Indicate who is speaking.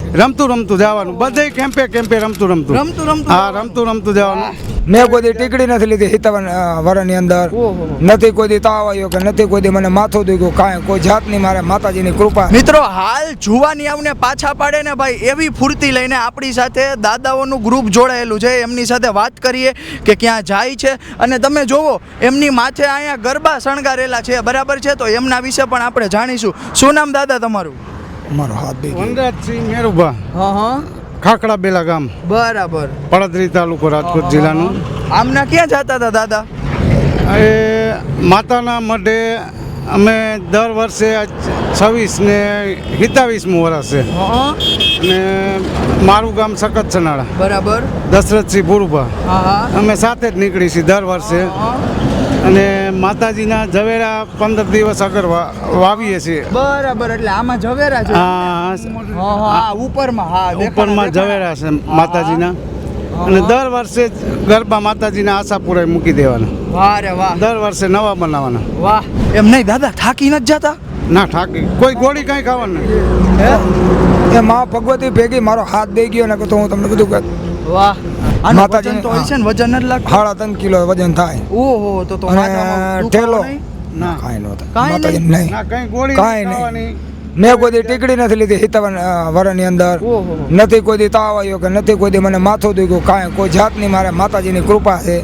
Speaker 1: રમતું રમતું જવાનું, બધે કેમ્પે કેમ્પે રમતું હા, રમતું જવાનું.
Speaker 2: મેં કોઈ દી ટીકડી નથી લીધી 57 વર્ષની અંદર. નથી કોઈ દી તાવ આવ્યો કે નથી કોઈ દી મને માથું દુખ્યું, કાંઈ કોઈ જાતની મારે માતાજીની કૃપા.
Speaker 3: મિત્રો હાલ જુવાની આવને પાછા પાડે ને ભાઈ એવી ફૂર્તિ લઈને આપણી સાથે દાદાઓનું ગ્રુપ જોડાયેલું છે. એમની સાથે વાત કરીએ કે ક્યાં જાય છે. અને તમે જોવો એમની માથે અહીંયા ગરબા શણગારેલા છે, બરાબર છે? તો એમના વિશે પણ આપણે જાણીશું. શું નામ દાદા તમારું?
Speaker 2: મારો હાથ દઈ
Speaker 1: વનરાજસિંહ મેરુભા,
Speaker 3: હા,
Speaker 1: ખાખડા બેલા ગામ,
Speaker 3: બરાબર.
Speaker 1: પડદરી તાલુકો, રાજકોટ જિલ્લાનું.
Speaker 3: આમના ક્યાં જતા હતા દાદા?
Speaker 1: એ માતાના મઢે અમે દર વર્ષે 26 ને 27મું વર્ષ છે. અને મારું ગામ સખત સનાળા,
Speaker 3: બરાબર.
Speaker 1: દશરથસિંહ ભુરુભા, અમે સાથે જ નીકળી છીએ દર વર્ષે. અને માતાજીના ઝવેરા 15 દિવસ આગળ વાવીએ છીએ.
Speaker 3: બરાબર, એટલે આમાં ઝવેરા છે. હા,
Speaker 1: ઉપરમાં ઝવેરા છે માતાજીના. અને દર વર્ષે ગરબા માતાજીના આશાપુરા મૂકી દેવાના.
Speaker 3: વાહ રે વાહ.
Speaker 1: દર વર્ષે નવા બનાવવાના.
Speaker 3: વાહ. એમ નહીં દાદા, થાકી નથી જતા?
Speaker 1: ના થાકી, કોઈ ગોળી કાંઈ ખાવાનું નહીં.
Speaker 2: એ માં ભગવતી ભેગી મારો હાથ દઈ ગયો ને તો હું તમને બધું કહું.
Speaker 3: વાહ. માતાજી તો હોય છે ને, વજન જ લાગતું?
Speaker 2: 3.5 કિલો વજન થાય.
Speaker 3: ઓહો, તો
Speaker 2: અને ઠેલો
Speaker 1: ના
Speaker 2: કાંઈ ન થાય.
Speaker 3: કાંઈ
Speaker 2: માતાજી નહીં.
Speaker 1: ના કંઈ ગોળી
Speaker 2: કાંઈ નહીં.
Speaker 1: ખાવાની.
Speaker 2: મેં કોઈ દી ટીકડી નથી લીધી 57 વર્ષની અંદર. નથી કોઈ દી તાવ આવ્યો કે નથી કોઈ દી મને માથું દુખ્યું, કાંઈ કોઈ જાતની મારે માતાજીની કૃપા છે.